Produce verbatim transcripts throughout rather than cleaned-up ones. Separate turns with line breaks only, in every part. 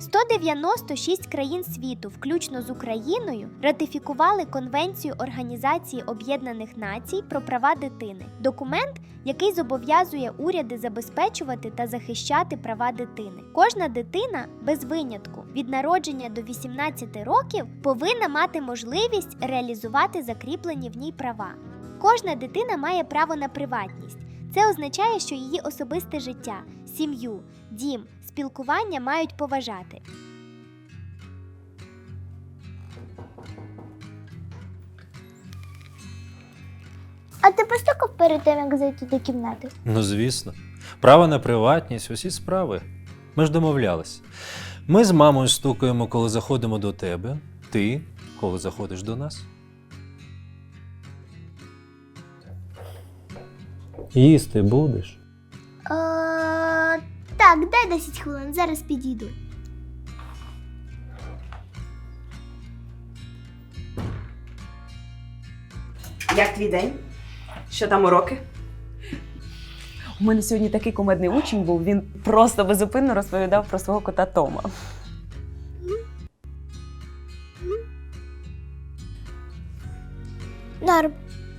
сто дев'яносто шість країн світу, включно з Україною, ратифікували Конвенцію Організації Об'єднаних Націй про права дитини. Документ, який зобов'язує уряди забезпечувати та захищати права дитини. Кожна дитина, без винятку, від народження до вісімнадцяти років, повинна мати можливість реалізувати закріплені в ній права. Кожна дитина має право на приватність. Це означає, що її особисте життя, сім'ю, дім, спілкування мають поважати.
А ти постукав перед тим, як зайти до кімнати?
Ну, звісно. Право на приватність, усі справи. Ми ж домовлялись. Ми з мамою стукаємо, коли заходимо до тебе. Ти, коли заходиш до нас. Їсти будеш?
Е, так, дай десять хвилин, зараз підійду.
Як твій день? Що там уроки?
У мене сьогодні такий кумедний учень був, він просто безупинно розповідав про свого кота Тома.
Норм.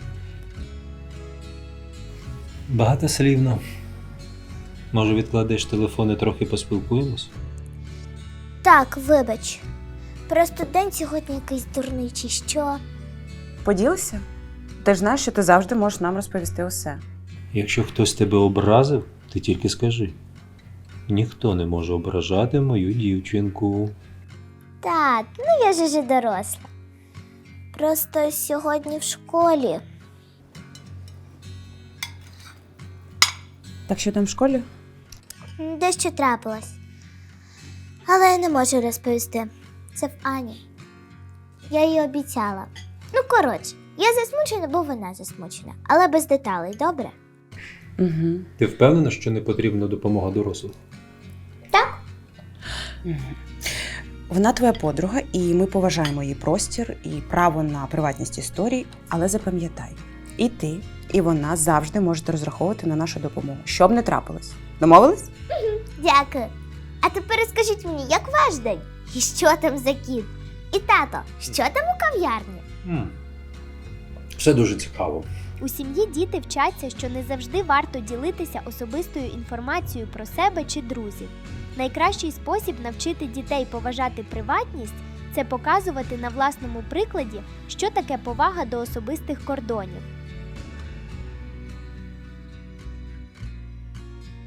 Багатослівно. Може, відкладеш телефон і трохи поспілкуємось?
Так, вибач. Просто день сьогодні якийсь дурний чи що.
Поділися? Ти ж знаєш, що ти завжди можеш нам розповісти усе.
Якщо хтось тебе образив, ти тільки скажи. Ніхто не може ображати мою дівчинку.
Так, ну я ж уже доросла. Просто сьогодні в школі.
Так що там в школі?
Дещо трапилось. Але я не можу розповісти. Це в Ані. Я їй обіцяла. Ну, коротше, я засмучена, бо вона засмучена. Але без деталей, добре?
Угу.
Ти впевнена, що не потрібна допомога дорослих?
Так?
Угу. Вона твоя подруга, і ми поважаємо її простір і право на приватність історій, але запам'ятай, і ти, і вона завжди можете розраховувати на нашу допомогу, що б не трапилось. Домовились?
Дякую. А тепер розкажіть мені, як ваш день? І що там за кіт? І тато, що там у кав'ярні?
М. Все дуже цікаво.
У сім'ї діти вчаться, що не завжди варто ділитися особистою інформацією про себе чи друзів. Найкращий спосіб навчити дітей поважати приватність – це показувати на власному прикладі, що таке повага до особистих кордонів.